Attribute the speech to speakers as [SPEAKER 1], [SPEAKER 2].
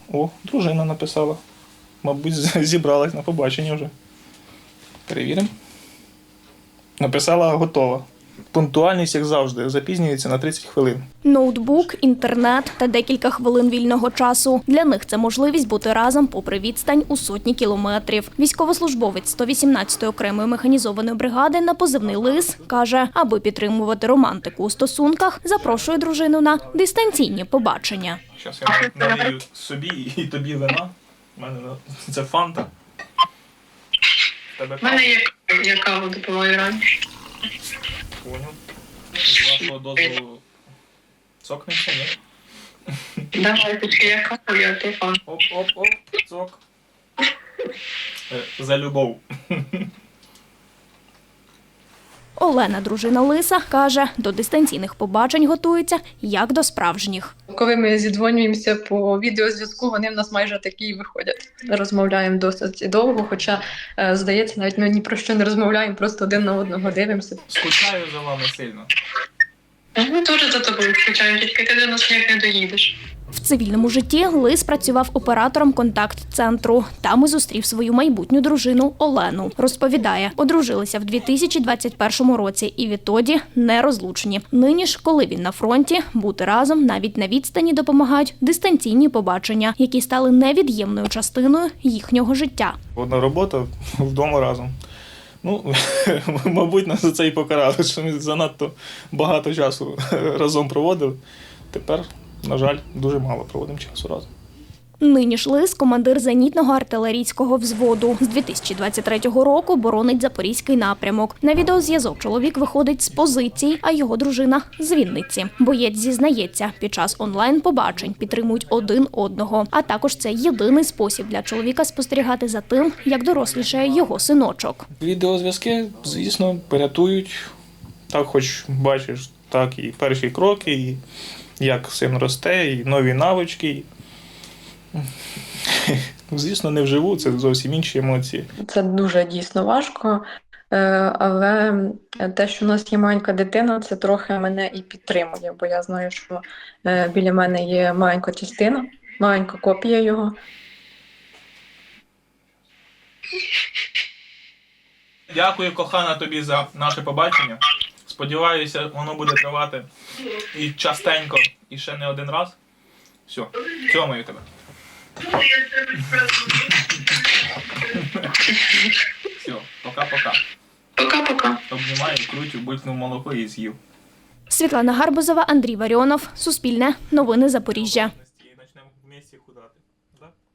[SPEAKER 1] О, дружина написала. Мабуть, зібралась на побачення вже. Перевіримо. Написала готова. Пунктуальність, як завжди, запізнюється на 30 хвилин.
[SPEAKER 2] Ноутбук, інтернет та декілька хвилин вільного часу. Для них це можливість бути разом попри відстань у сотні кілометрів. Військовослужбовець 118-ї окремої механізованої бригади на позивний «Лис» каже, аби підтримувати романтику у стосунках, запрошує дружину на дистанційні побачення.
[SPEAKER 1] Зараз я налию собі і тобі вина. У мене це фанта.
[SPEAKER 3] У мене є кава, допомагаю раніше.
[SPEAKER 1] Понял. З вашого дозволу цокнемося, ні?
[SPEAKER 3] Давай, тут я каву, я телефон.
[SPEAKER 1] Оп, цок. За любов.
[SPEAKER 2] Олена, дружина Лиса, каже, до дистанційних побачень готується, як до справжніх.
[SPEAKER 4] Коли ми зідзвонюємося по відеозв'язку, вони в нас майже такі і виходять. Розмовляємо досить довго, хоча, здається, навіть ми ні про що не розмовляємо, просто один на одного дивимося.
[SPEAKER 1] Скучаю за вами сильно.
[SPEAKER 3] Ми теж за тобою скучаємо, тільки ти до нас ніяк не доїдеш.
[SPEAKER 2] В цивільному житті Лис працював оператором контакт-центру. Там і зустрів свою майбутню дружину Олену. Розповідає, одружилися в 2021 році і відтоді нерозлучні. Нині ж, коли він на фронті, бути разом навіть на відстані допомагають дистанційні побачення, які стали невід'ємною частиною їхнього життя.
[SPEAKER 1] Одна робота, вдома разом. Ну, мабуть, нас за це і покарали, що ми занадто багато часу разом проводили. Тепер, на жаль, дуже мало проводимо часу разом.
[SPEAKER 2] Нині ж Лис – командир зенітного артилерійського взводу. З 2023 року боронить Запорізький напрямок. На відеозв'язок чоловік виходить з позицій, а його дружина – з Вінниці. Боєць зізнається, під час онлайн-побачень підтримують один одного. А також це єдиний спосіб для чоловіка спостерігати за тим, як дорослішає його синочок.
[SPEAKER 1] Відеозв'язки, звісно, порятують. Так, хоч бачиш, так і перші кроки, і як син росте, і нові навички. Звісно, не вживу, це зовсім інші емоції.
[SPEAKER 4] Це дуже дійсно важко, але те, що у нас є маленька дитина, це трохи мене і підтримує, бо я знаю, що біля мене є маленька частина, маленька копія його.
[SPEAKER 1] Дякую, кохана, тобі за наше побачення. Сподіваюся, воно буде тривати і частенько, і ще не один раз. Все, цьомаю тебе. Все, пока-пока.
[SPEAKER 3] Пока-пока.
[SPEAKER 1] Обнімаю, крутю, булькнув молоко і з'їв.
[SPEAKER 2] Світлана Гарбузова, Андрій Варіонов, Суспільне, Новини Запоріжжя.
[SPEAKER 1] Почнемо вместе худати.